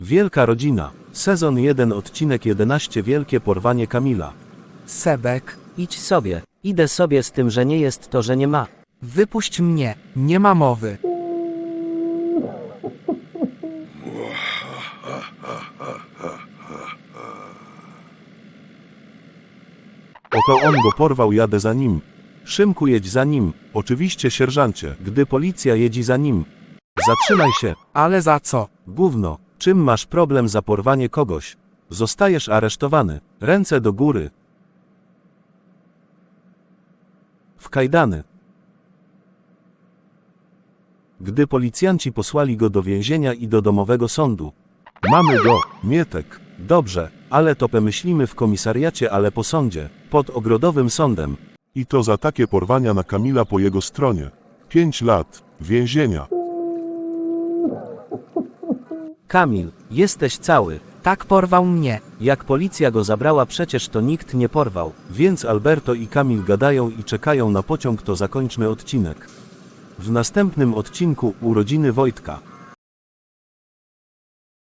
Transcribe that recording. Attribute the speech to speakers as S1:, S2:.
S1: Wielka rodzina. Sezon 1, odcinek 11. Wielkie porwanie Kamila.
S2: Sebek,
S3: Idź sobie. Idę sobie z tym, że nie jest to, że nie ma.
S2: wypuść mnie, nie ma mowy.
S1: Oto on go porwał, jadę za nim. Szymku, jedź za nim. Oczywiście, sierżancie. Gdy policja jedzi za nim. Zatrzymaj się.
S2: Ale za co?
S1: Gówno. Czym masz problem za porwanie kogoś? Zostajesz aresztowany. Ręce do góry. W kajdany. Gdy policjanci posłali go do więzienia i do domowego sądu. Mamy go, Mietek. Dobrze, ale to pomyślimy w komisariacie, ale po sądzie, pod ogrodowym sądem.
S4: I to za takie porwania na Kamila po jego stronie. 5 lat więzienia.
S3: Kamil, jesteś cały.
S2: Tak porwał mnie.
S3: Jak policja go zabrała, przecież to nikt nie porwał.
S1: Więc Alberto i Kamil gadają i czekają na pociąg, to zakończmy odcinek. W następnym odcinku urodziny Wojtka.